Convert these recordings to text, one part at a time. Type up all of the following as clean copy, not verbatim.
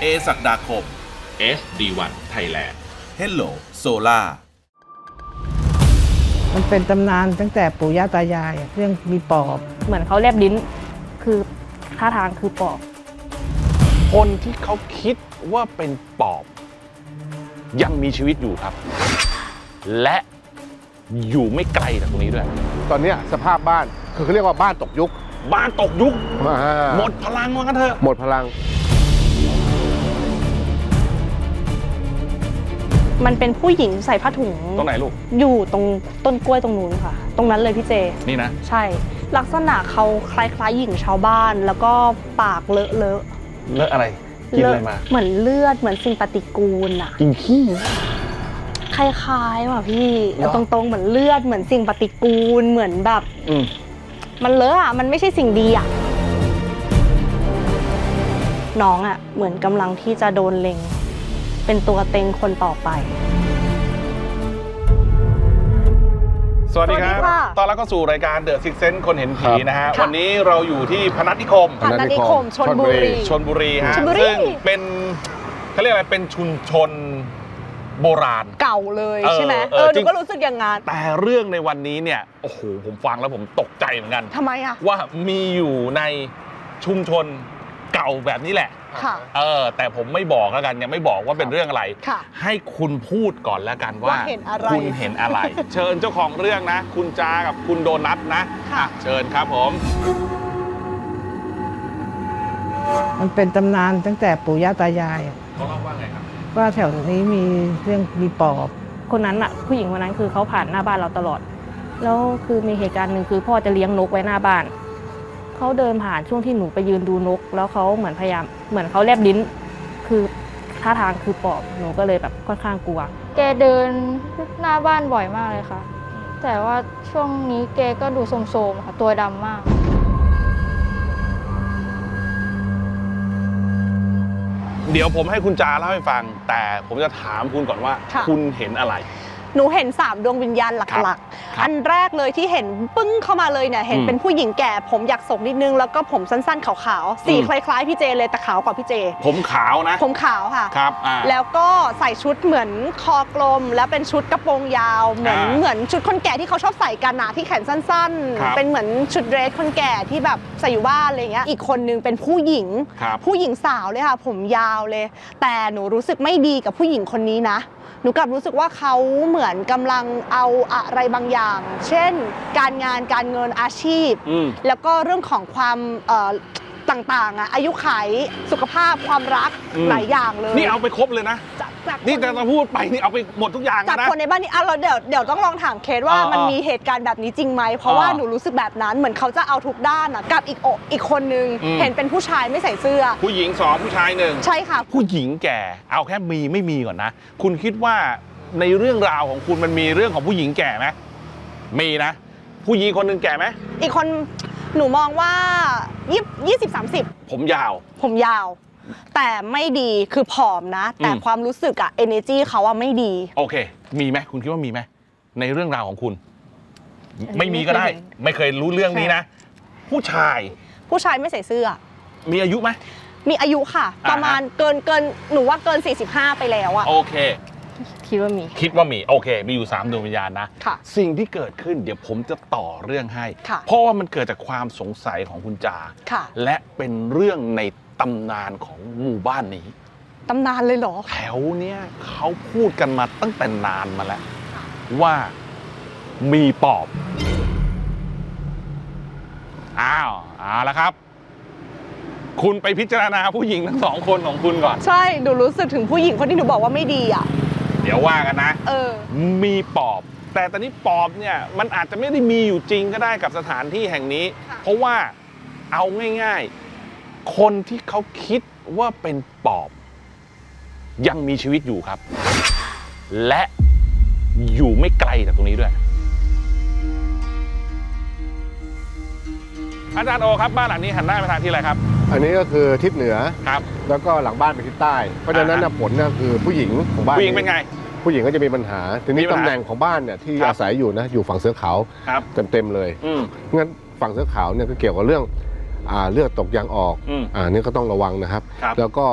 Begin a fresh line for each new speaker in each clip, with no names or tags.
ศักดาคม
SD1 Thailand
Hello Solar
มันเป็นตำนานตั้งแต่ปู่ย่าตายายเรื่องมีปอบ
เหมือนเขาแลบลิ้นคือท่าทางคือปอบ
คนที่เขาคิดว่าเป็นปอบยังมีชีวิตอยู่ครับ และอยู่ไม่ไกลจากตรงนี้ด้วย
ตอนนี้สภาพบ้านคือเขาเรียกว่าบ้านตกยุค
บ้านตกยุค หม
หม
ดพลังว่างั้นเถอะ
หมดพลัง
มันเป็นผู้หญิงใส่ผ้าถุง
ตรงไหนลูก
อยู่ตรงต้นกล้วยตรงนู้นค่ะ ตรงนั้นเลยพี่เจ
นี่นะ
ใช่ ลักษณะเขาคล้ายๆหญิงชาวบ้าน แล้วก็ปากเลอะ
เลอะอะไร กินอะไรมา
เหมือนเลือดเหมือนสิ่งปฏิกูลอะ
กินขี้
คล้ายๆว่ะพี่
เหรอ
ตรงๆเหมือนเลือดเหมือนสิ่งปฏิกูลเหมือนแบบ มันเลอะอะมันไม่ใช่สิ่งดีอะน้องอะเหมือนกำลังที่จะโดนเล็ง เป็นตัวเต็งคนต่อไป
สวัสดีครับ
สวัสดีค่ะ
ตอนรับเข้าสู่รายการ The Six Sense คนเห็นผีนะฮะ
ค่ะ
วันนี้เราอยู่ที่พนัสนิคม
พนัสนิคมชลบุรี
ชลบุรีฮะ
ชลบุรี
ซึ่งเป็นเขาเรียกอะไร เป็นชุมชนโบราณ
เก่าเลยใช่ไหม
เออ
หนูก็รู้สึกอย่างงั้น
แต่เรื่องในวันนี้เนี่ย โอ้โห ผมฟังแล้วผมตกใจเหมือนกัน
ทำไมอะ
ว่ามีอยู่ในชุมชนเก่าแบบนี้แหละ
ค่ะ
แต่ผมไม่บอกแล้วกันยังไม่บอกว่าเป็นเรื่องอะไร
ค่ะ
ให้คุณพูดก่อนแล้วกันว่า
ว่าเห็นอะไร
คุณเห็นอะไร เชิญเจ้าของเรื่องนะ คุณจากับคุณโดนัทนะ
ค่ะ
อ่ะเชิญครับผม
มันเป็นตำนานตั้งแต่ปู่ย่าตายาย
เขาเล่าว่าไงครับ
ว่าแถวนี้มีเรื่องมีปอบ
คนนั้นอะผู้หญิงคนนั้นคือเขาผ่านหน้าบ้านเราตลอด แล้วคือมีเหตุการณ์หนึ่งคือพ่อจะเลี้ยงนกไว้หน้าบ้าน เขาเดินผ่านช่วงที่หนูไปยืนดูนก แล้วเขาเหมือนพยายามเหมือนเขาแลบลิ้น คือท่าทางคือปอบหนูก็เลยแบบค่อนข้างกลัว
แกเดินหน้าบ้านบ่อยมากเลยค่ะ แต่ว่าช่วงนี้แกก็ดูโทรมๆค่ะ ตัวดำมาก
เดี๋ยวผมให้คุณจาเล่าให้ฟัง แต่ผมจะถามคุณก่อนว่า
ค่ะ
คุณเห็นอะไร
หนูเห็น3ดวงวิญญาณห
ครับ
ลัก
ครับ
ๆ อันแรกเลยที่เห็นปึ้งเข้ามาเลยเนี่ยเห็นเป็นผู้หญิงแก่ผมอยากศกนิดนึงแล้วก็ผมสั้นๆขาวๆสีคล้ายๆพี่เจเลยแต่ขาวกว่าพี่เจ
ผมขาวนะ
ผมขาวค่ะ
ครับ
แล้วก็ใส่ชุดเหมือนคอกลม แล้วเป็นชุดกระโปรงยาวเหมือนชุดคนแก่ที่เขาชอบใส่กันนะที่แขนสั้น
ครับ
ๆ เป็นเหมือนชุดเดรสคนแก่ที่แบบใส่อยู่บ้านอะไรเงี้ยอีกคนนึงเป็นผู้หญิง
ครับ
ผู้หญิงสาวเลยค่ะผมยาวเลย แต่หนูรู้สึกไม่ดีกับผู้หญิงคนนี้นะหนูกลับรู้สึกว่าเขาเหมือนกำลังเอาอะไรบางอย่าง เช่น การงานการเงินอาชีพ แล้วก็เรื่องของความต่างๆอะอายุขัยสุขภาพความรักหลายอย่างเลย
นี่เอาไปครบเลยนะ
จาก
นี่แต่เราพูดไปนี่เอาไปหมดทุกอย่าง
จาก
นะ
คนในบ้านนี้เราเดี๋ยวต้องลองถามเคสว่ามันมีเหตุการณ์แบบนี้จริงไหมเพราะว่าหนูรู้สึกแบบนั้นเหมือนเขาจะเอาทุกด้านอะกับอีกคนนึงเห็นเป็นผู้ชายไม่ใส่เสื้อ
ผู้หญิง2ผู้ชาย1
ใช่ค่ะ
ผู้หญิงแก่เอาแค่มีไม่มีก่อนนะ คุณคิดว่าในเรื่องราวของคุณมันมีเรื่องของผู้หญิงแก่ไหมมีนะ ผู้หญิงคนหนึ่งแก่ไหม
อีกคนหนูมองว่า20-30
ผมยาว
ผมยาว แต่ไม่ดีคือผอมนะ แต่ความรู้สึกอะ energy เขาอะไม่ดี
โอเค มีไหมคุณคิดว่ามีไหมในเรื่องราวของคุณ ไม่มีก็ได้ ไม่เคยรู้เรื่องนี้นะ ผู้ชาย
ผู้ชายไม่ใส่เสื้อ
มีอายุไหม
มีอายุค่ะ ประมาณเกินหนูว่าเกิน45ไปแล้วอะ
โอเค
คิดว่ามี
คิดว่ามีโอเค มีอยู่3ดวงวิญญาณนะ
ค่ะ
สิ่งที่เกิดขึ้นเดี๋ยวผมจะต่อเรื่องให้
ค่ะ
เพราะว่ามันเกิดจากความสงสัยของคุณจา
ค่ะ
และเป็นเรื่องในตำนานของหมู่บ้านนี้
ตำนานเลยเหรอ
แถวเนี้ยเขาพูดกันมาตั้งแต่นานมาแล้ว ว่ามีปอบเอาละครับ คุณไปพิจารณาผู้หญิงทั้ง2คนของคุณก่อน
ใช่หนูรู้สึกถึงผู้หญิงคนที่หนูบอกว่าไม่ดีอะ
เดี๋ยวว่ากันนะ มีปอบ แต่ตอนนี้ปอบเนี่ยมันอาจจะไม่ได้มีอยู่จริงก็ได้กับสถานที่แห่งนี้ เพราะว่าเอาง่ายๆ คนที่เขาคิดว่าเป็นปอบ ยังมีชีวิตอยู่ครับ และอยู่ไม่ไกลจากตรงนี้ด้วย อาจารย์โอครับบ้านหลังนี้หันหน้าไปทางที่อะไรครับ
อันนี้ก็คือทิศเหนือ
ครับ
แล้วก็หลังบ้านเป็นทิศใต้ เพราะฉะนั้นผลเนี่ยคือผู้หญิงของบ้าน
ผู้หญิงเป็นไง
ผู้หญิงก็จะมีปัญหา ทีนี้
มีปัญหา
ตำแหน่งของบ้านเนี่ยที่
ครับ
อาศัยอยู่นะอยู่ฝั่งเสือขาว
ครับ
เต็มเลย งั้นฝั่งเสือขาวเนี่ยก็เกี่ยวกับเรื่องเลือดตกยางออก
อืม
นี่ก็ต้องระวังนะครับ
ครับ
แล้วก็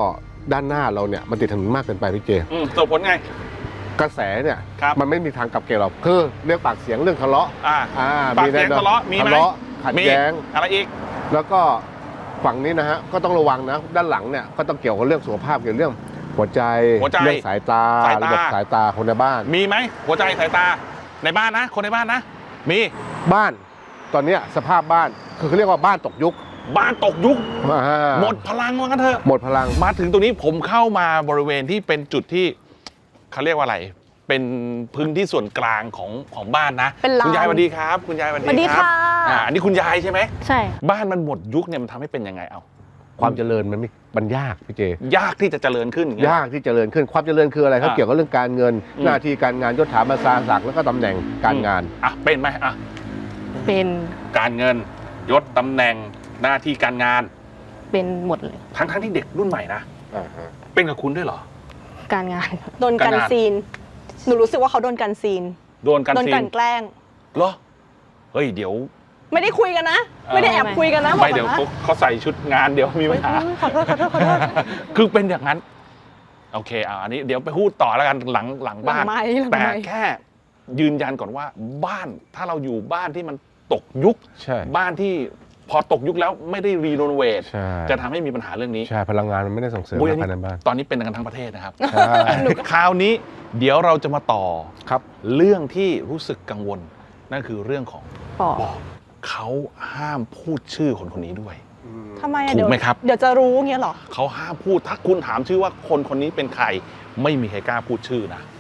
ด้านหน้าเราเนี่ยมันติดถนนมากเกินไปพี่เจ
ส่งผลไง
กระแสเนี่ย
ครับ
มันไม่มีทางกลับเกลียวหรอกคือเรื่องปากเสียงเรื่องทะเลาะ
ปากเสียงทะเลาะมีไหม
ทะเลาะขัดแย้ง
อะไรอีก
แล้วก็ฝั่งนี้นะฮะก็ต้องระวังนะด้านหลังเนี่ยก็ต้องเกี่ยวกับเรื่องสุขภาพเกี่ยวกับเรื่องหัวใจเรื่องสายตาระบบสายตาคนในบ้าน
มีไหมหัวใจสายตาในบ้านนะคนในบ้านนะมี
บ้านตอนเนี้ยสภาพบ้านคือเขาเรียกว่าบ้านตกยุค
บ้านตกยุคหมดพลังว่างั้นเถอะ
หมดพลัง
มาถึงตรงนี้ผมเข้ามาบริเวณที่เป็นจุดที่เขาเรียกว่าอะไรเป็นพื้นที่ส่วนกลางของบ้านนะคุณยายสวัสดีครับคุณยายสวัสดีครับอันนี้คุณยายใช่ไหม
ใช่
บ้านมันหมดยุคเนี่ยมันทำให้เป็นยังไงเอา
ความเจริญมันยากพี่เจ
ยากที่จะเจริญขึ้น
ยากที่เจริญขึ้นความเจริญคืออะไรเขาเกี่ยวกับเรื่องการเงินหน้าที่การงานยศถาบรรดาศักดิ์แล้วก็ตำแหน่งการงาน
เป็นไหม
เป็น
การเงินยศตำแหน่งหน้าที่การงาน
เป็นหมดเลย
ทั้งที่เด็กรุ่นใหม่นะเป็นกับคุณด้วยเหรอ
การงาน
โดนกันซีนหนูรู้สึกว่าเขาโดนกันซีน
โดนกัน
แกล้ง
เหรอเฮ้ยเดี๋ยว
ไม่ได้คุยกันนะไม่ได้แอบคุยกันนะ
ไม่เดี๋ยวเขาใส่ชุดงานเดี๋ยวมีปัญหา
ขอโทษ
คือเป็นอย่างนั้นโอเคอันนี้เดี๋ยวไปพูดต่อแล้วกันหลังบ้านแต่แค่ยืนยันก่อนว่าบ้านถ้าเราอยู่บ้านที่มันตกยุคบ้านที่พอตกยุคแล้วไม่ได้รีโนเวทจะทำให้มีปัญหาเรื่องนี้
ใช่พลังงานมันไม่ได้ส่งเสริมภายในบ้าน
ตอนนี้เป็นกันทั้งประเทศนะครับคราวนี้เดี๋ยวเราจะมาต่อครับเรื่องที่รู้สึกกังวลนั่นคือเรื่องของปอบเขาห้ามพูดชื่อคนนี้ด้วย
ทำไม
ถูกไหมครับ
เดี๋ยวจะรู้เงี้ยหรอ
เขาห้ามพูดถ้าคุณถามชื่อว่าคนนี้เป็นใครไม่มีใครกล้าพูดชื่อนะ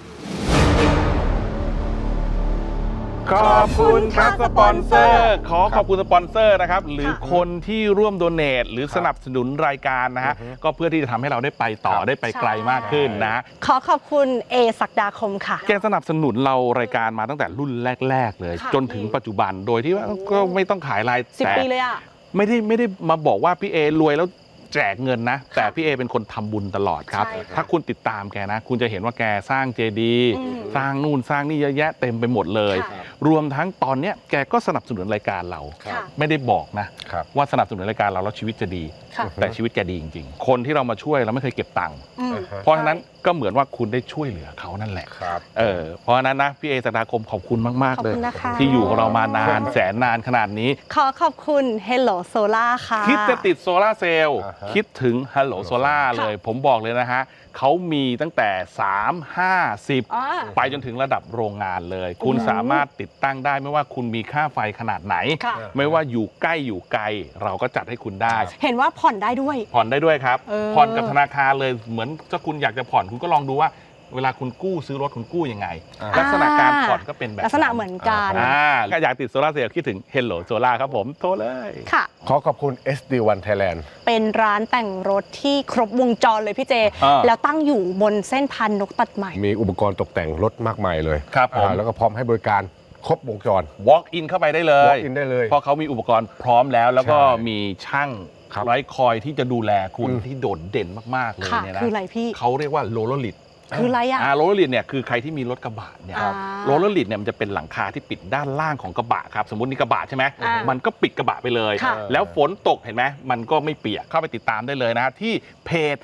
ขอบคุณครับสปอนเซอร์ขอบคุณสปอนเซอร์นะครับหรือคนที่ร่วมโดเนทหรือสนับสนุนรายการนะฮะก็เพื่อที่จะทำให้เราได้ไปต่อได้ไปไกลมากขึ้นนะ
ขอบคุณเอศักดาคมค่ะ
แกสนับสนุนเรารายการมาตั้งแต่รุ่นแรกๆเลยจนถึงปัจจุบันโดยที่ว่าก็ไม่ต้องขายราย
10 ปีเลยอะ
ไม่ได้มาบอกว่าพี่เอรวยแล้วแจกเงินนะแต่พี่เอเป็นคนทำบุญตลอดครับถ้าคุณติดตามแกนะคุณจะเห็นว่าแกสร้างเจดีย์สร้างนู่นสร้างนี่เยอะแยะเต็มไปหมดเลยรวมทั้งตอนนี้แกก็สนับสนุนรายการเราไม่ได้บอกนะว่าสนับสนุนรายการเราแล้วชีวิตจะดีแต่ชีวิตแกดีจริงๆคนที่เรามาช่วยเราไม่เคยเก็บตังค์เพราะฉะนั้นก็เหมือนว่าคุณได้ช่วยเหลือเขานั่นแหละเพราะฉะนั้นนะพี่เอศักดาคมขอบคุณมากๆเลยที่อยู่กับเรามานานแสนนานขนาดนี้
ขอบคุณ Hello Solar ค่ะ
คิดจะติดโซล่าเซลล์คิดถึง Hello Solar เลยผมบอกเลยนะฮะเขามีตั้งแต่3 5 10ไปจนถึงระดับโรงงานเลยคุณสามารถติดตั้งได้ไม่ว่าคุณมีค่าไฟขนาดไหนไม่ว่าอยู่ใกล้อยู่ไกลเราก็จัดให้คุณได้
เห็นว่าผ่อนได้ด้วย
ครับผ่อนกับธนาคารเลยเหมือนถ้าคุณอยากจะผ่อนคุณก็ลองดูว่าเวลาคุณกู้ซื้อรถคุณกู้ยังไงลักษณะการผ่อนก็เป็นแบบ
ลักษณะเหมือนกัน
ก็อยากติดโซล่าเซลล์คิดถึง Hello Solar ครับผมโทรเลย
ค่ะ
ขอบคุณ SD1 Thailand
เป็นร้านแต่งรถที่ครบวงจรเลยพี่เจแล้วตั้งอยู่บนเส้นพันนกตัดใหม่
มีอุปกรณ์ตกแต่งรถมากมายเลย
ครับผม
แล้วก็พร้อมให้บริการครบวงจร
walk in เข้าไปได้เลย
walk in ได้เลย
เพราะเขามีอุปกรณ์พร้อมแล้วก็มีช่างไร้คอยที่จะดูแลคุณที่โดดเด่นมากๆเลยเนี่ยนะ
คืออะไรพี่
เขาเรียกว่าโรลเลอร์ลิด
คืออะไร
โรลเลอร์ลิดเนี่ยคือใครที่มีรถกระบะเนี่ยโรลเลอร์ลิดเนี่ยมันจะเป็นหลังคาที่ปิดด้านล่างของกระบะครับสมมตินี่กระบะใช่ไหมมันก็ปิดกระบะไปเลยแล้วฝนตกเห็นไหมมันก็ไม่เปียกเข้าไปติดตามได้เลยนะที่เพจ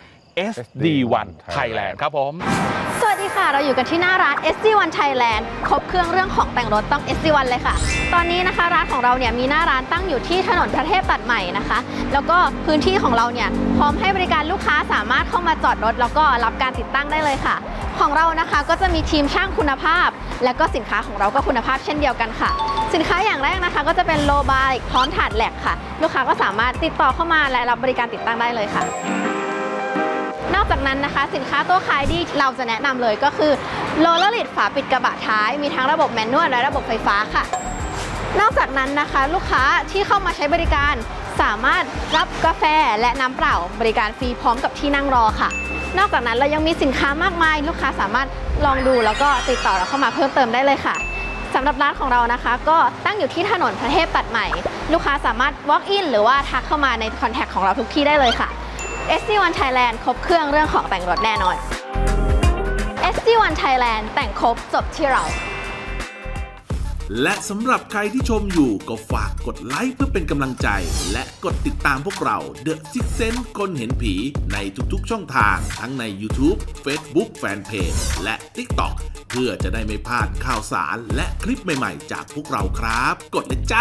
SD1 Thailand ครับผม
สวัสดีค่ะเราอยู่กันที่หน้าร้าน SD1 Thailand ครบเครื่องเรื่องของแต่งรถต้อง SD1 เลยค่ะตอนนี้นะคะร้านของเราเนี่ยมีหน้าร้านตั้งอยู่ที่ถนนพระเทพตัดใหม่นะคะแล้วก็พื้นที่ของเราเนี่ยพร้อมให้บริการลูกค้าสามารถเข้ามาจอดรถแล้วก็รับการติดตั้งได้เลยค่ะของเรานะคะก็จะมีทีมช่างคุณภาพและก็สินค้าของเราก็คุณภาพเช่นเดียวกันค่ะสินค้าอย่างแรกนะคะก็จะเป็นโลบาร์พร้อมถาดแหลกค่ะลูกค้าก็สามารถติดต่อเข้ามาและรับบริการติดตั้งได้เลยค่ะนอกจากนั้นนะคะสินค้าตัวขายดีเราจะแนะนำเลยก็คือโรลเลอร์ลิดฝาปิดกระบะท้ายมีทั้งระบบแมนนวลและระบบไฟฟ้าค่ะนอกจากนั้นนะคะลูกค้าที่เข้ามาใช้บริการสามารถรับกาแฟและน้ำเปล่าบริการฟรีพร้อมกับที่นั่งรอค่ะนอกจากนั้นเรายังมีสินค้ามากมายลูกค้าสามารถลองดูแล้วก็ติดต่อเราเข้ามาเพิ่มเติมได้เลยค่ะสำหรับร้านของเรานะคะก็ตั้งอยู่ที่ถนนพระเทพตัดใหม่ลูกค้าสามารถ walk in หรือว่าทักเข้ามาในคอนแทคของเราทุกที่ได้เลยค่ะSD1 Thailand ครบเครื่องเรื่องของแต่งรถแน่นอน SD1 Thailand แต่งครบจบที่เรา
และสำหรับใครที่ชมอยู่ก็ฝากกดไลค์เพื่อเป็นกำลังใจ และกดติดตามพวกเรา The Six Sense คนเห็นผีในทุกๆช่องทางทั้งใน YouTube Facebook Fanpage และ TikTok เพื่อจะได้ไม่พลาดข่าวสารและคลิปใหม่ๆจากพวกเราครับ กดเลยจ้า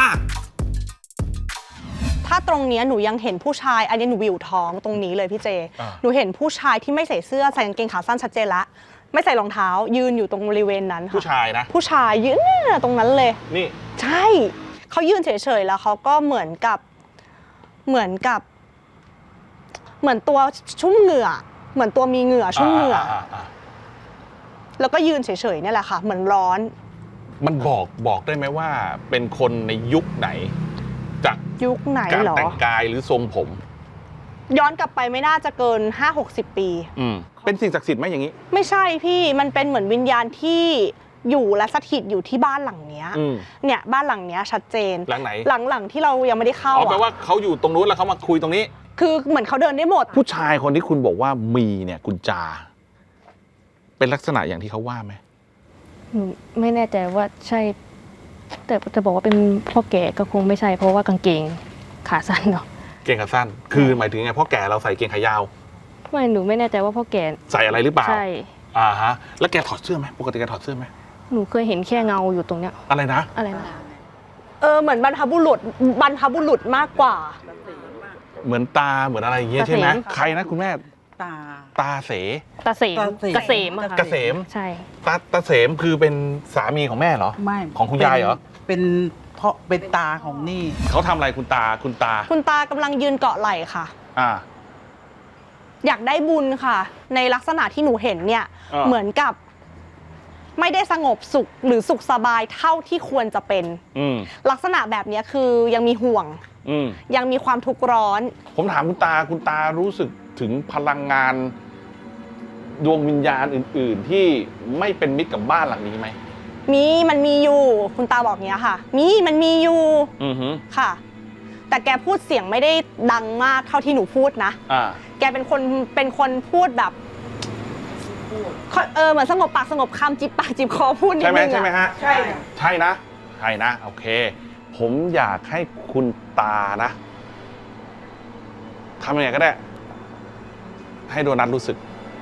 ถ้าตรงเนี้ยหนูยังเห็นผู้ชายอันนี้หนูวิวท้องตรงนี้เลยพี่เจ หนูเห็นผู้ชายที่ไม่ใส่เสื้อใส่กางเกงขาสั้นชัดเจนละไม่ใส่รองเท้ายืนอยู่ตรงบริเวณนั้นค่ะ
ผู้ชายนะ
ผู้ชายยืนตรงนั้นเลย
นี่
ใช่เขายืนเฉยๆแล้วเขาก็เหมือนตัวชุ่มเหงื่อเหมือนตัวมีเหงื่อชุ่มเหงื่อแล้วก็ยืนเฉยๆเนี่ยแหละค่ะเหมือนร้อน
มันบอกได้ไหมว่าเป็นคนในยุคไหนจาก
ยุคไหน
การ
เหรอ
แต่งกายหรือทรงผม
ย้อนกลับไปไม่น่าจะเกิน 5-60 ปี
เป็นสิ่งศักดิ์สิทธิ์ไหมอย่างนี้
ไม่ใช่พี่มันเป็นเหมือนวิญญาณที่อยู่และสถิตอยู่ที่บ้านหลังเนี้ยเนี่ยบ้านหลังเนี้ยชัดเจน
หลังไหน
หลังที่เรายังไม่ได้เข้า
แปลว่าเขาอยู่ตรงนู้นแล้วเขามาคุยตรงนี้
คือเหมือนเขาเดินได้หมด
ผู้ชายคนที่คุณบอกว่ามีเนี่ยคุณจา เป็นลักษณะอย่างที่เขาว่าไหม
หนูไม่แน่ใจว่าใช่ แต่จะบอกว่าเป็นพ่อแก่ก็คงไม่ใช่เพราะว่ากางเกงขาสั้นเนาะ
เกงขาสั้น คือหมายถึงไงพ่อแก่เราใส่เกงขายาว
ไม่หนูไม่แน่ใจว่าพ่อแก่
ใส่อะไรหรือเปล่า
ใช่
ฮะแล้วแกถอดเสื้อไหมปกติแกถอดเสื้อไหม
หนูเคยเห็นแค่เงาอยู่ตรงเนี้ย
อะไรนะ
อะไรนะ
เหมือนบรรพบุรุษมากกว่า
เหมือนตาเหมือนอะไรอย่างเงี้ยใช่ไหม
ตาเสม
ใครนะคุณแม่ ตาเส
ตาเสมเกษมอะค่ะ
เกษม
ใช่
ตาเสมคือเป็นสามีของแม่เหรอ
ไม่
ของคุณยายเหรอ
เป็นเพราะเป็นตาของนี่
เขาทำอะไรคุณตา
คุณตากำลังยืนเกาะไหล่ค่ะ
อ่า
อยากได้บุญค่ะ ในลักษณะที่หนูเห็นเนี่ย เหมือนกับ ไม่ได้สงบสุขหรือสุขสบายเท่าที่ควรจะเป็น ลักษณะแบบนี้คือยังมีห่วง ยังมีความทุกข์ร้อน
ผมถามคุณตารู้สึกถึงพลังงานดวงวิญญาณอื่น ๆ ที่ไม่เป็นมิตรกับบ้านหลังนี้ไหม
มันมีอยู่ คุณตาบอกเนี้ยค่ะ มันมีอยู่ค่ะ แต่แกพูดเสียงไม่ได้ดังมากเท่าที่หนูพูดนะแกเป็นคนพูดแบบเหมือนสงบปากสงบคำจิบปากจิบคอพูดนิดนึง
ใช่ไหมฮะ
ใช่
ใช่นะโอเค ผมอยากให้คุณตานะทำยังไงก็ได้ ให้โดนัทรู้สึก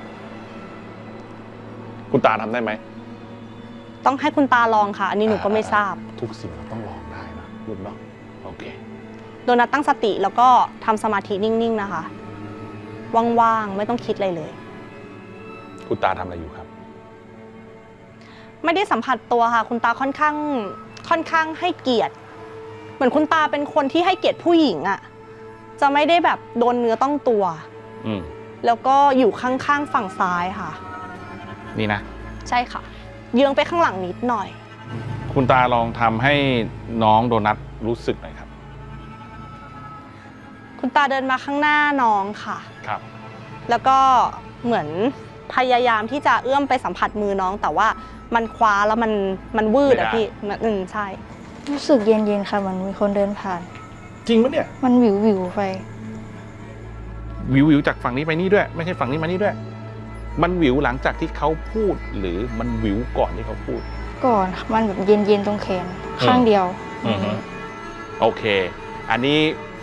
คุณตาทำได้ไหม
ต้องให้คุณตาลองค่ะ อันนี้หนูก็ไม่ทราบ
ทุกสิ่งเราต้องลองได้นะลูกเนาะโอเค
โดนัทตั้งสติแล้วก็ทำสมาธินิ่งๆนะคะว่างๆไม่ต้องคิดอะไรเลย
คุณตาทำอะไรอยู่ครับ
ไม่ได้สัมผัสตัวค่ะ คุณตาค่อนข้างให้เกียรติ เหมือนคุณตาเป็นคนที่ให้เกียรติผู้หญิงอะจะไม่ได้แบบโดนเนื้อต้องตัวแล้วก็อยู่ข้างๆฝั่งซ้ายค่ะ
นี่นะ
ใช่ค่ะ เยื้องไปข้างหลังนิดหน่อย
คุณตาลองทำให้น้องโดนัทรู้สึกหน่อยครับ
คุณตาเดินมาข้างหน้าน้องค่ะ
ครับ
แล้วก็เหมือนพยายามที่จะเอื้อมไปสัมผัสมือน้อง แต่ว่ามันคว้าแล้วมันวืดอะพี่ใช่
รู้สึกเย็นๆค่ะมันมีคนเดินผ่าน
จริงปะเนี่ย
มันวิวไป
วิวจากฝั่งนี้ไปนี่ด้วย ไม่ใช่ฝั่งนี้มานี่ด้วย มันวิวหลังจากที่เขาพูดหรือมันวิวก่อนที่เขาพูด
ก่อนมันแบบเย็นๆตรงแขนข้างเดียว
โอเค อันนี้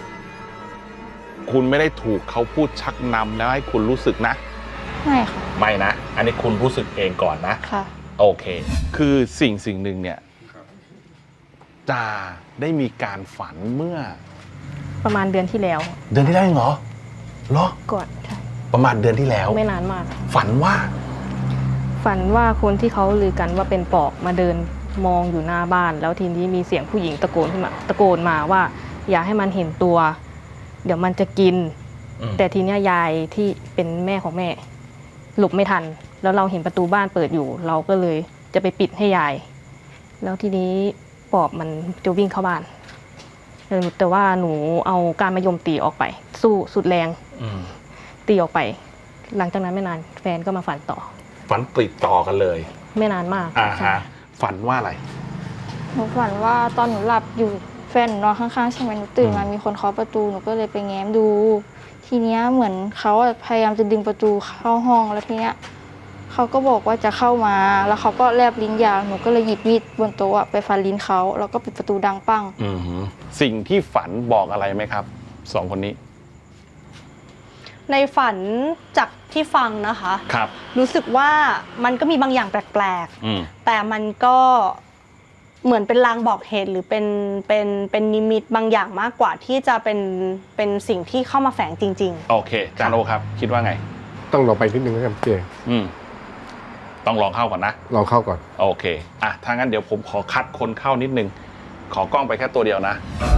คุณไม่ได้ถูกเขาพูดชักนำแล้วให้คุณรู้สึกนะ
ไม่ค่ะ
ไม่นะ อันนี้คุณรู้สึกเองก่อนนะ
ค่ะ
โอเค คือสิ่งหนึ่งเนี่ยจาได้มีการฝันเมื่อ
ประมาณเดือนที่แล้ว
เดือนที่แล้วเหรอ
ก่อนใช่
ประมาณเดือนที่แล้ว
ไม่นานมาก
ฝันว่า
คนที่เขาลือกันว่าเป็นปอบมาเดินมองอยู่หน้าบ้าน แล้วทีนี้มีเสียงผู้หญิงตะโกนมาว่าอย่าให้มันเห็นตัว เดี๋ยวมันจะกิน แต่ทีนี้ยายที่เป็นแม่ของแม่หลบไม่ทัน แล้วเราเห็นประตูบ้านเปิดอยู่ เราก็เลยจะไปปิดให้ยาย แล้วทีนี้ปอบมันจะวิ่งเข้าบ้านแต่ว่าหนูเอาการมะยมตีออกไป สู้สุดแรงตีออกไป หลังจากนั้นไม่นานแฟนก็มาฝันต่อ
ฝันติดต่อกันเลย
ไม่นานมาก
ฝันว่าอะไร
หนูฝันว่าตอนหนูหลับอยู่แฟนหนูนอนข้างๆใช่ไหมหนูตื่นมามีคนเคาะประตูหนูก็เลยไปแง้มดู ทีเนี้ยเหมือนเขาพยายามจะดึงประตูเข้าห้องแล้วทีเนี้ย
เขาก็บอกว่าจะเข้ามาแล้วเขาก็แลบลิ้นยาวหนูก็เลยหยิบมีดบนโต๊ะไปฟันลิ้นเขาแล้วก็ปิดประตูดังปั้ง
สิ่งที่ฝันบอกอะไรไหมครับสองคนนี้
ในฝันจากที่ฟังนะคะ
ครับ
รู้สึกว่ามันก็มีบางอย่างแปลกๆแต่มันก็เหมือนเป็นลางบอกเหตุหรือเป็นนิมิตบางอย่างมากกว่าที่จะเป็นสิ่งที่เข้ามาแฝงจริงๆ
โอเคจานโอครับคิดว่าไง
ต้องลองไปนิดนึงนะครับเจ
ต้องลองเข้าก่อนนะ
ลองเข้าก่อน
โอเคถ้างั้นเดี๋ยวผมขอคัดคนเข้านิดนึงขอกล้องไปแค่ตัวเดียวนะ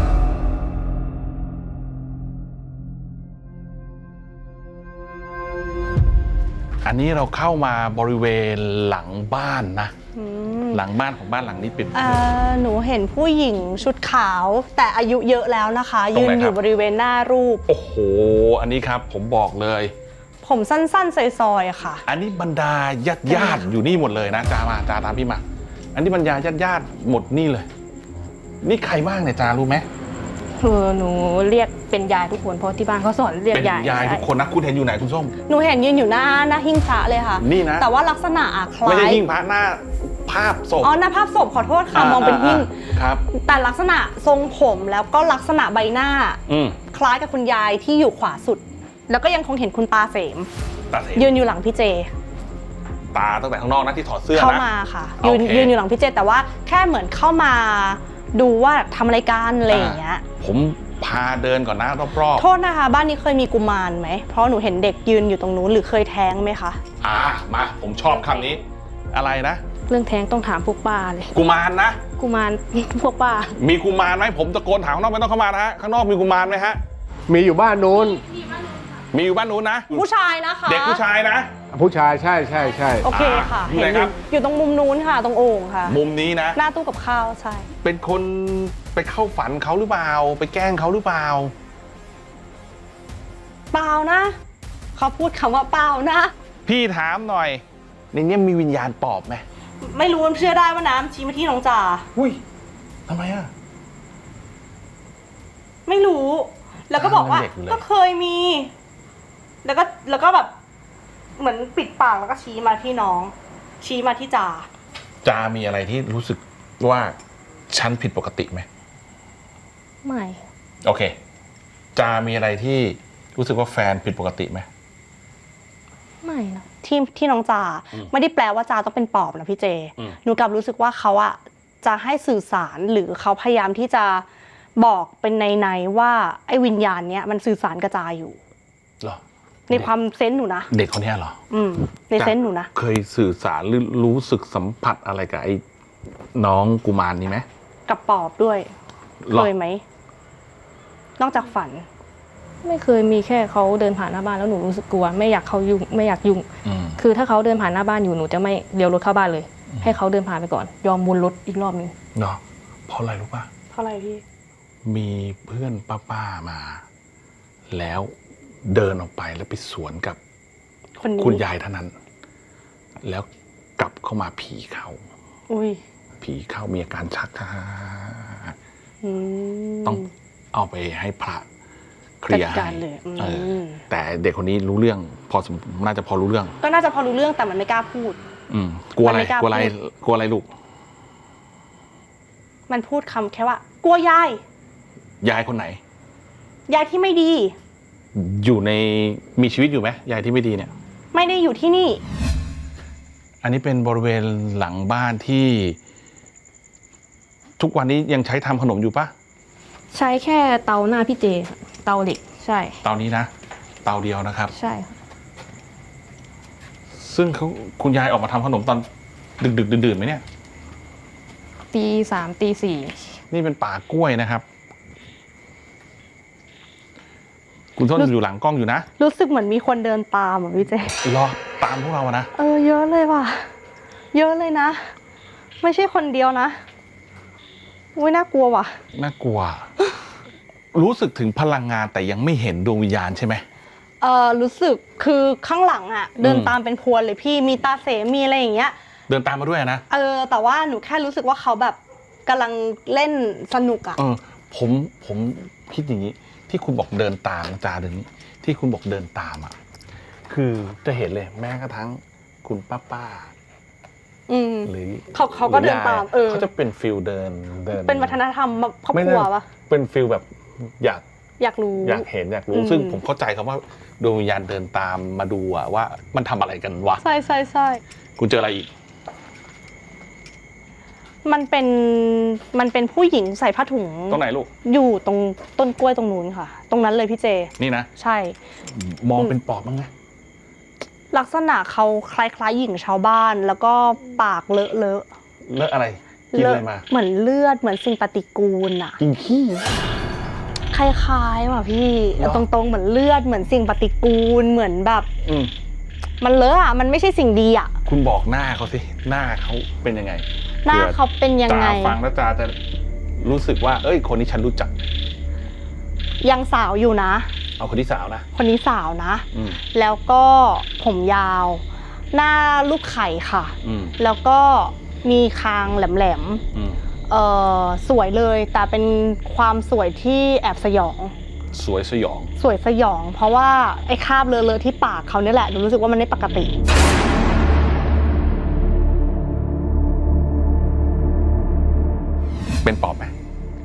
อันนี้เราเข้ามาบริเวณหลังบ้านนะหลังบ้านของบ้านหลังนี้เป็น
หนูเห็นผู้หญิงชุดขาวแต่อายุเยอะแล้วนะคะยืนอยู่บริเวณหน้ารูป
โอ้โหอันนี้ครับผมบอกเลย
ผมสั้นๆซอยๆค่ะ
อันนี้บรรดาญาติอยู่นี่หมดเลยนะจาตามพี่มาอันนี้บรรดาญาติหมดนี่เลยนี่ใครบ้างเนี่ยจารู้ไหม
หนูเรียกเป็นยายทุกคนเพราะที่บ้านเขาสอนเรียกยาย
เป็นยายทุกคนนะคุณเห็นอยู่ไหนคุณส้ม
หนูเห็นยืนอยู่หน้าหิ้งพระเลยค่ะ
นี่นะ
แต่ว่าลักษณะคล้าย
ไม่ใช่หิ้งพระหน้าภาพศพ
หน้าภาพศพขอโทษค่ะมองเป็นหิ้ง
ครับ
แต่ลักษณะทรงผมแล้วก็ลักษณะใบหน้าคล้ายกับคุณยายที่อยู่ขวาสุดแล้วก็ยังคงเห็นคุณตาเสมยืนอยู่หลังพี่เจ
ตาตั้งแต่ข้างนอกนะที่ถอดเสื้อนะ
เข้ามาค่ะยืนอยู่หลังพี่เจแต่ว่าแค่เหมือนเข้ามาดูว่าทำอะไรกันอะไรอย่างเงี้ย
ผมพาเดินก่อนนะรอบ
ๆโทษนะคะบ้านนี้เคยมีกุมารไหมเพราะหนูเห็นเด็กยืนอยู่ตรงนู้นหรือเคยแท้งไหมคะ
มาผมชอบคำนี้อะไรนะ
เรื่องแท้งต้องถามพวกป้าเลย
กุมารนะ
กุมารพวกป้า
มีกุมารไหมผมตะโกนถามข้างนอกไม่ต้องเข้ามานะฮะข้างนอกมีกุมารไหมฮะ
มีอยู่บ้านนู้น
มีอยู่บ้านนู้นนะ
ผู้ชายนะคะ
เด็กผู้ชายนะ
ผู้ชายใช่
โอเคค่ะเห็นอยู่ตรงมุมนู้นค่ะตรงโอ่งค่ะ
มุมนี้นะ
หน้าตู้กับข้าวใช่
เป็นคนไปเข้าฝันเขาหรือเปล่าไปแกล้งเขาหรือเปล่า
เปล่านะเขาพูดคำว่าเปล่านะ
พี่ถามหน่อยในนี้มีวิญญาณปอบไหม
ไม่รู้เชื่อได้ว่าน้ำชี้มาที่น้องจ่า
อุ้ยทำไม
ไม่รู้แล้วก็บอกว่าก็เคยมีแล้วก็แบบเหมือนปิดปากแล้วก็ชี้มาที่น้องชี้มาที่
จ่ามีอะไรที่รู้สึกว่าฉันผิดปกติไหม
ไม่
โอเคจ่ามีอะไรที่รู้สึกว่าแฟนผิดปกติไหม
ไม่นะ
ที่น้องจ่าไม่ได้แปลว่าจ่าต้องเป็นปอบนะพี่เจหนูกลับรู้สึกว่าเขาอะจะให้สื่อสารหรือเขาพยายามที่จะบอกเป็นในว่าไอ้วิญญาณเนี้ยมันสื่อสารกระจายอยู่
หรอ
ในความเซนส์หนูนะ
เด็กคนนี้เหรอ
ในเซนส์หนูนะ
เคยสื่อสารหรือรู้สึกสัมผัสอะไรกับไอ้น้องกุมารนี้ไหม
กับปอบด้วยเคยไหมนอกจากฝัน
ไม่เคยมีแค่เขาเดินผ่านหน้าบ้านแล้วหนูรู้สึกกลัวไม่อยากเขายุ่งไม่อยากยุ่งคือถ้าเขาเดินผ่านหน้าบ้านอยู่หนูจะไม่เลี้ยวรถเข้าบ้านเลยให้เขาเดินผ่านไปก่อนยอมวนรถอีกรอบนึง
เนาะเพราะอะไรรู้ป่ะ
เพราะอะไรพี่
มีเพื่อนป้ามาแล้วเดินออกไปแล้วไปสวนกับคุณยายท่านนั้นแล้วกลับเข้ามาผีเขาผีเข้ามีอาการชักต้องเอาไปให้พระเคลียร์ให้แต่เด็กคนนี้รู้เรื่องน่าจะพอรู้เรื่อง
ก็น่าจะพอรู้เรื่องแต่มันไม่กล้าพูด
กลัวอะไรลูก
มันพูดคำแค่ว่ากลัวย
ายคนไหน
ยายที่ไม่ดี
อยู่ในมีชีวิตอยู่ไหมยายที่ไม่ดีเนี่ย
ไม่ได้อยู่ที่นี่
อันนี้เป็นบริเวณหลังบ้านที่ทุกวันนี้ยังใช้ทำขนมอยู่ปะ
ใช้แค่เตาหน้าพี่เจเตาเหล็กใช่
เตานี้นะเตาเดียวนะครับ
ใช่
ซึ่งคุณยายออกมาทำขนมตอนดึกดื่นไหมเนี่ย
ตี 3 ตี 4
นี่เป็นป่ากล้วยนะครับคุณส้นอยู่หลังกล้องอยู่นะ
รู้สึกเหมือนมีคนเดินตามพี่เจ
รอตามพวกเรานะ
เยอะเลยว่ะเยอะเลยนะไม่ใช่คนเดียวนะอุ้ยน่ากลัวว่ะ
น่ากลัวรู้สึกถึงพลังงานแต่ยังไม่เห็นดวงวิญญาณใช่ไหม
รู้สึกคือข้างหลังเดินตามเป็นพวนเลยพี่มีตาเสมีอะไรอย่างเงี้ย
เดินตามมาด้วยนะ
แต่ว่าหนูแค่รู้สึกว่าเขาแบบกำลังเล่นสนุก
ผมคิดอย่างนี้ที่คุณบอกเดินตามจาเดินนี้ที่คุณบอกเดินตามคือจะเห็นเลยแม้กระทั่งคุณป้า
อืม
หรือ
เขาก็เดินตาม
เขาจะเป็นฟิลเดิน
เป็นวัฒนธรรมครอบครัวปะ
เป็นฟิลแบบอยากรู้
อยากรู้
ซึ่งผมเข้าใจคำว่าดวงวิญญาณเดินตามมาดูว่ามันทำอะไรกันวะ
ใช่
คุณเจออะไรอีก
มันเป็นผู้หญิงใส่ผ้าถุง
ตรงไหนลูก
อยู่ตรงต้นกล้วยตรงนู้นค่ะ ตรงนั้นเลยพี่เจ
นี่นะ
ใช่
มองเป็นปอบบ้างไหม
ลักษณะเขาคล้ายๆหญิงชาวบ้าน แล้วก็ปากเลอะ
เลอะอะไรกินอะไรมา
เหมือนเลือดเหมือนสิ่งปฏิกูลอะ
กินขี้
คล้ายๆว่ะพี่ตรงๆเหมือนเลือดเหมือนสิ่งปฏิกูลเหมือนแบบมันเลอะอะมันไม่ใช่สิ่งดีอะ
คุณบอกหน้าเขาสิหน้าเขาเป็นยังไง
หน้าเขาเป็นยังไง
ตาฟังแล้วตาจะรู้สึกว่าเอ้ยคนนี้ฉันรู้จัก
ยังสาวอยู่นะ
เอาคนที่สาวนะ
คนนี้สาวนะแล้วก็ผมยาว หน้าลูกไข่ค่ะแล้วก็มีคางแหลมๆสวยเลยแต่เป็นความสวยที่แอบสยอง
สวยสยอง
เพราะว่าไอ้คราบเลอะๆที่ปากเขาเนี่ยแหละหนูรู้สึกว่ามันไม่ปกติ
เป็นปอบไหม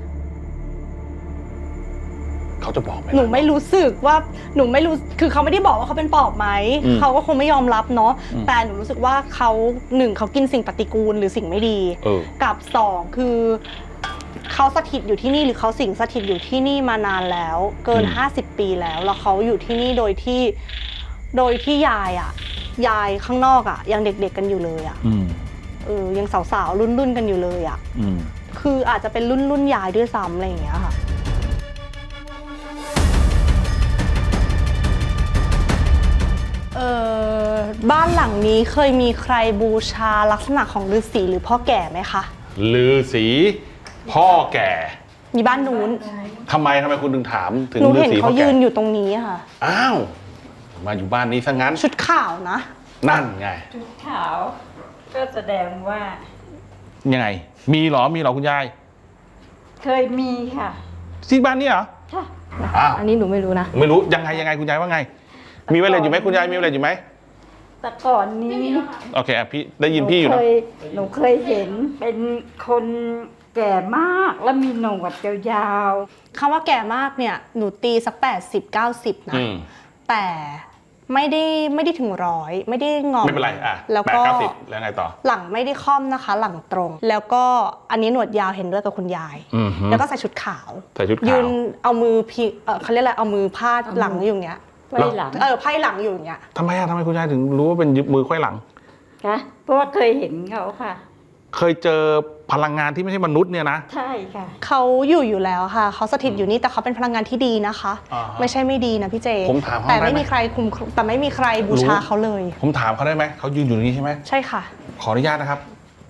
เขาจะบอกไหม
หนูไม่รู้สึกว่าหนูไม่รู้คือเขาไม่ได้บอกว่าเขาเป็นปอบไหมเขาก็คงไม่ยอมรับเนาะแต่หนูรู้สึกว่าเขา1เขากินสิ่งปฏิกูลหรือสิ่งไม่ดีกับ2คือเขาสถิตอยู่ที่นี่หรือเขาสิงสถิตอยู่ที่นี่มานานแล้วเกิน50 ปีแล้วเขาอยู่ที่นี่โดยที่ยายข้างนอกยังเด็กๆกันอยู่เลยยังสาวๆรุ่นๆกันอยู่เลยคืออาจจะเป็นรุ่นยายด้วยซ้ำอะไรอย่างเงี้ยค่ะบ้านหลังนี้เคยมีใครบูชาลักษณะของฤาษีหรือพ่อแก่ไหมคะ
ฤาษีพ่อแก่
มีบ้านนู้น
ทำไมคุณถึงถามถึง
ฤาษีพ่อแก่ หนูเห็นเขายืนอยู่ตรงนี้ค่ะ
อ้าวมาอยู่บ้านนี้ซะงั้น
ชุดขาวนะ
นั่นไง
ชุดขาวก็แสดงว่า
ยังไงมีเหรอคุณยาย
เคยมีค่ะ
ที่บ้านนี้เหรอ
ค่ะ
อันนี้หนูไม่รู้นะ
ไม่รู้ยังไงคุณยายว่าไงมีไวเลสอยู่ไหมคุณยายมีไวเลสอยู่ไหม
แต่ก่อนนี้
โอเคพี่ได้ยินพี่อยู่นะ
หนูเคยเห็นเป็นคนแก่มากแล้วมีหนวดยาว
ๆคำว่าแก่มากเนี่ยหนูตีสัก80-90นะแต่ไม่ได้ถึง100ไม่ได้งอ
ไม่เป็นไร
แล้วก็
80แล้วไงต่อ
หลังไม่ได้ค่อมนะคะหลังตรงแล้วก็อันนี้หนวดยาวเห็นด้วยกับคุณยายแล้วก็ใส่ชุดขาวยืนเอามือเขาเรียกอะไรเอามือพาดหลังอยู่อย่างเงี้ย
ไพ่หลัง
ไพ่หลังอยู่อย่างเงี้ย
ทำไมคุณยายถึงรู้ว่าเป็นมือไขว้หลัง
คะเพราะว่าเคยเห็นเขาค่ะ
เคยเจอพลังงานที่ไม่ใช่มนุษย์เนี่ยนะ
ใช่ค่ะ
เขาอยู่แล้วค่ะเขาสถิตอยู่นี่แต่เขาเป็นพลังงานที่ดีนะคะไม่ใช่ไม่ดีนะพี่เจ
ผมถาม
แต่ไม่มีใครแต่ไม่มีใครบูชาเขาเลย
ผมถามเขาได้ไหมเขายืนอยู่นี่ใช่ไหม
ใช่ค่ะ
ขออนุญาตนะครับ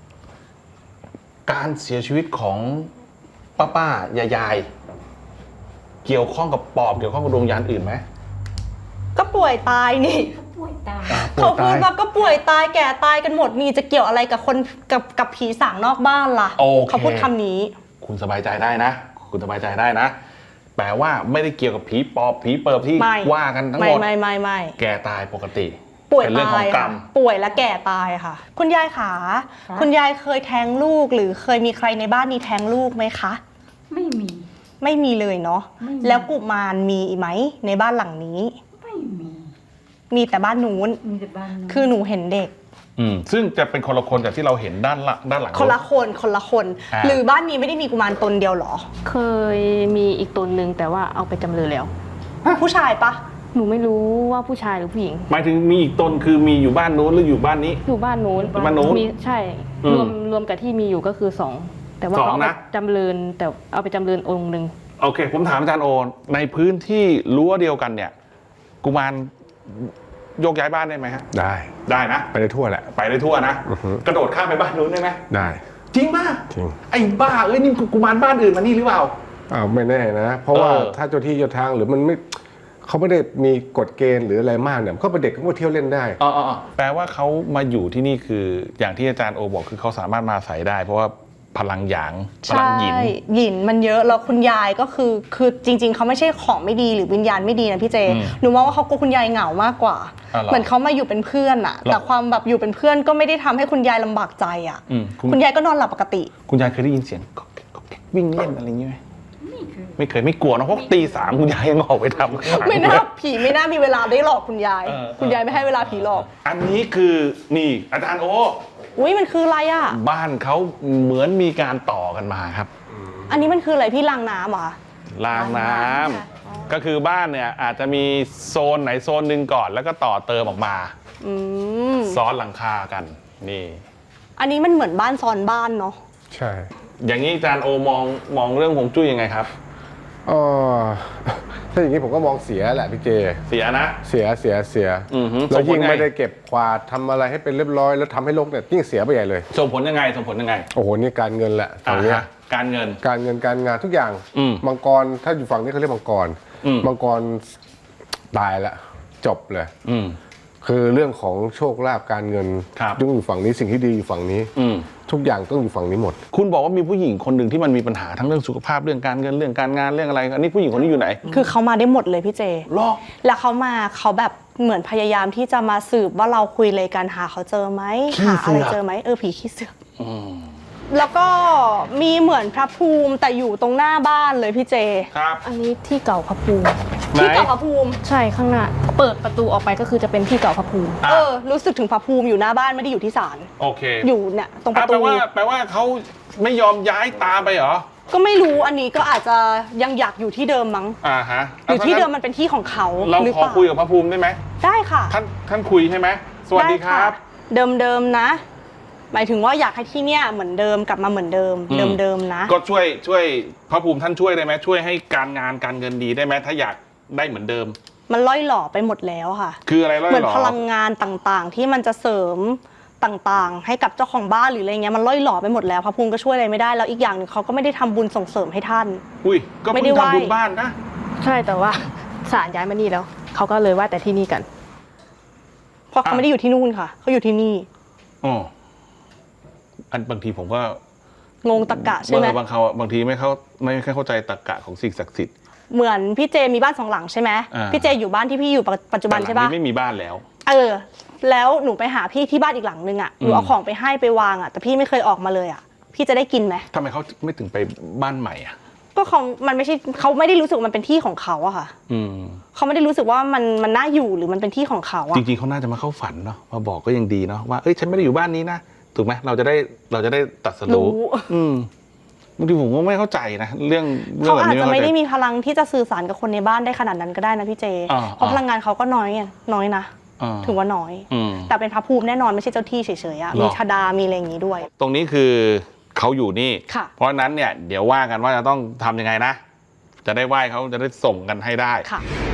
การเสียชีวิตของป้ายายเกี่ยวข้องกับปอบเกี่ยวข้องกับดวงวิญญาณอื่นไหม
ก็ป่วยตายนี่เขาพูดว่าก็ป่วยตายแก่ตายกันหมดนี่จะเกี่ยวอะไรกับคนกับผีสางนอกบ้านล่ะเขาพูดคำนี้
คุณสบายใจได้นะแปลว่าไม่ได้เกี่ยวกับผีปอบผีเปิบที่ว่ากันทั้งหมด
ไม่
แก่ตายปกติ
ป่วยตายป่วยและแก่ตายค่ะคุณยายขาคุณยายเคยแท้งลูกหรือเคยมีใครในบ้านนี้แท้งลูกไหมคะ
ไม่
มีเลยเนาะแล้วกุมารมีไหมในบ้านหลังนี้มีแต่บ้านนู้นคือหนูเห็นเด็ก
ซึ่งจะเป็นคนละคนจากที่เราเห็นด้านหลัง
คนละคนหรือบ้านนี้ไม่ได้มีกุมารตนเดียวหรอ
เคยมีอีกตนนึงแต่ว่าเอาไปจำเริญแล้ว
ผู้ชายปะ
หนูไม่รู้ว่าผู้ชายหรือผู้หญิง
หมายถึงมีอีกตนคือมีอยู่บ้านนู้นหรืออยู่บ้านนี้
อยู่บ้านนู้นมีใช่รวมกับที่มีอยู่ก็คือ2แต่ว่าเอาไปจำเริญแต่เอาไปจำเริญองค์นึง
โอเคผมถามอาจารย์โอในพื้นที่รั้วเดียวกันเนี่ยกุมารโยกย้ายบ้านได้ไหมฮะได้นะ
ไปได้ทั่วแหละ
ไปได้ทั่วนะกระโดดข้ามไปบ้านนู้นได้ไหม
ได้
จริงป่ะ
จริง
ไอ้บ้านี่กุมารบ้านอื่นมานี่หรือเปล่า
ไม่แน่นะเพราะว่าถ้าเจ้าที่เจ้าทางหรือมันไม่เขาไม่ได้มีกฎเกณฑ์หรืออะไรมากเนี่ยเขาเป็นเด็กเขาก็เที่ยวเล่นได้
แปลว่าเขามาอยู่ที่นี่คืออย่างที่อาจารย์โอบอกคือเขาสามารถมาอาศัยได้เพราะว่าพลังหยางพลังหยิน
ใช่หยินมันเยอะแล้วคุณยายก็คือจริง ๆเขาไม่ใช่ของไม่ดีหรือวิญญาณไม่ดีนะพี่เจหนูมองว่าเขากลัวคุณยายเหงามากกว่าเหมือนเขามาอยู่เป็นเพื่อนอะแต่ความแบบอยู่เป็นเพื่อนก็ไม่ได้ทำให้คุณยายลำบากใจอะคุณยายก็นอนหลับปกติ
คุณยายเคยได้ยินเสียงก๊อกแก๊กก๊อกแก๊กวิ่งเล่นอะไรอย่างงี้ไหมไม่เคยไม่กลัวนะเพราะตี 3คุณยายยังออกไปทำ
ไม่น่าผีไม่น่ามีเวลาได้หลอกคุณยาย คุณยายไม่ให้เวลาผีหลอก
อันนี้คือนี่อาจารย์โอ
อุ้ยมันคืออะไรอะ
บ้านเขาเหมือนมีการต่อกันมาครับ
อันนี้มันคืออะไรพี่รางน้ำเหรอ
รางน้ำก็คือบ้านเนี่ยอาจจะมีโซนไหนโซนหนึ่งก่อนแล้วก็ต่อเติมออกมาซ้อนหลังคากันนี่
อันนี้มันเหมือนบ้านซ้อนบ้านเนาะ
ใช่
อย่างนี้อาจารย์โอมองเรื่องฮวงจุ้ยยังไงครับ
ถ้าอย่างนี้ผมก็มองเสียแหละพี่เจ
เสียนะ
เสียแล้วยิ่งไม่ได้เก็บกวาดทำอะไรให้เป็นเรียบร้อยแล้วทำให้โลกเนี่ยยิ่งเสียไปใหญ่เลย
ส่งผลยังไง
โอ้โหนี่การเงินแหละฝั่งนี้
การเงิน
การงานทุกอย่างมังกรถ้าอยู่ฝั่งนี้เขาเรียกมังกรตายละจบเลยคือเรื่องของโชคลาภการเงินยุ่งอยู่ฝั่งนี้สิ่งที่ดีอยู่ฝั่งนี้ทุกอย่างต้องอยู่ฝั่งนี้หมด
คุณบอกว่ามีผู้หญิงคนหนึ่งที่มันมีปัญหาทั้งเรื่องสุขภาพเรื่องการเงินเรื่องการงานเรื่องอะไรอันนี้ผู้หญิงคนนี้อยู่ไหน
คือเขามาได้หมดเลยพี่เจแล้วเขาแบบเหมือนพยายามที่จะมาสืบว่าเราคุยอะไรกันหาเขาเจอไหมหาอะไรเจอไหมผีขี้เสือกแล้วก็มีเหมือนพระภูมิแต่อยู่ตรงหน้าบ้านเลยพี่เจ
ครับ
อันนี้ที่เก่าพระภูมิ
ที่เก่าพระภูมิ
ใช่ข้างหน้าเปิดประตูออกไปก็คือจะเป็นที่เก่าพระภูมิ
รู้สึกถึงพระภูมิอยู่หน้าบ้านไม่ได้อยู่ที่ศาล
โอเค
อยู่เนี่ยตรงประตู
แปลว่าเขาไม่ยอมย้ายตามไปเหรอ
ก็ไม่รู้อันนี้ก็อาจจะยังอยากอยู่ที่เดิมมั้ง
ฮะ
อยู่ที่เดิมมันเป็นที่ของเขา
เราขอคุยกับพระภูมิได้ไหม
ได้ค่ะ
ท่านคุยใช่ไหมสวัสดีครับ
เดิมนะหมายถึงว่าอยากให้ที่เนี่ยเหมือนเดิมกลับมาเหมือนเดิมนะ
ก็ช่วยพระภูมิท่านช่วยได้ไหมช่วยให้การงานการเงินดีได้ไหมถ้าอยากได้เหมือนเดิม
มันล่อยหล่อไปหมดแล้วค่ะ
คืออะไรล่อยหล่อ
เหมือนพลังงานต่างๆที่มันจะเสริมต่างๆให้กับเจ้าของบ้านหรืออะไรเงี้ยมันล่อยหล่อไปหมดแล้วพระภูมิก็ช่วยอะไรไม่ได้แล้วอีกอย่างนึงเขาก็ไม่ได้ทำบุญส่งเสริมให้ท่าน
ก็ไม่ได้ทำบุญบ้านนะ
ใช่แต่ว่าศาลย้ายมานี่แล้วเขาก็เลยว่าแต่ที่นี่กัน
เพราะเขาไม่ได้อยู่ที่นู่นค่ะเขาอยู่ที่นี่
บางทีผมก็
งงตรรกะใช่ไหม
บางทีไม่เข้าใจตรรกะของสิ่งศักดิ์สิทธิ์
เหมือนพี่เจมีบ้าน2 หลังใช่ไหมพี่เจอยู่บ้านที่พี่อยู่ปัจจุบันใช่ปะ
ไม่มีบ้านแล้ว
แล้วหนูไปหาพี่ที่บ้านอีกหลังนึงหนูเอาของไปให้ไปวางแต่พี่ไม่เคยออกมาเลยพี่จะได้กินไหม
ทำไมเขาไม่ถึงไปบ้านใหม่
ก็มันไม่ใช่เขาไม่ได้รู้สึกมันเป็นที่ของเขาค่ะเขาไม่ได้รู้สึกว่ามันน่าอยู่หรือมันเป็นที่ของเขา
จริงๆเขาน่าจะมาเข้าฝันเนาะมาบอกก็ยังดีเนาะว่าฉันไม่ได้อยู่บ้านนี้นะถูกไหมเราจะได้ตัดสรู้บางทีผมก็ไม่เข้าใจนะเรื่อง
เขาอาจจะไม่ได้มีพลังที่จะสื่อสารกับคนในบ้านได้ขนาดนั้นก็ได้นะพี่เจเพราะพลังงานเขาก็น้อยนะถือว่าน้อยแต่เป็นพระภูมิแน่นอนไม่ใช่เจ้าที่เฉยๆมีชดามีอะไรอย่างนี้ด้วย
ตรงนี้คือเขาอยู่นี่เพราะนั้นเนี่ยเดี๋ยวว่ากันว่าจะต้องทำยังไงนะจะได้ไหว้เขาจะได้ส่งกันให้ได้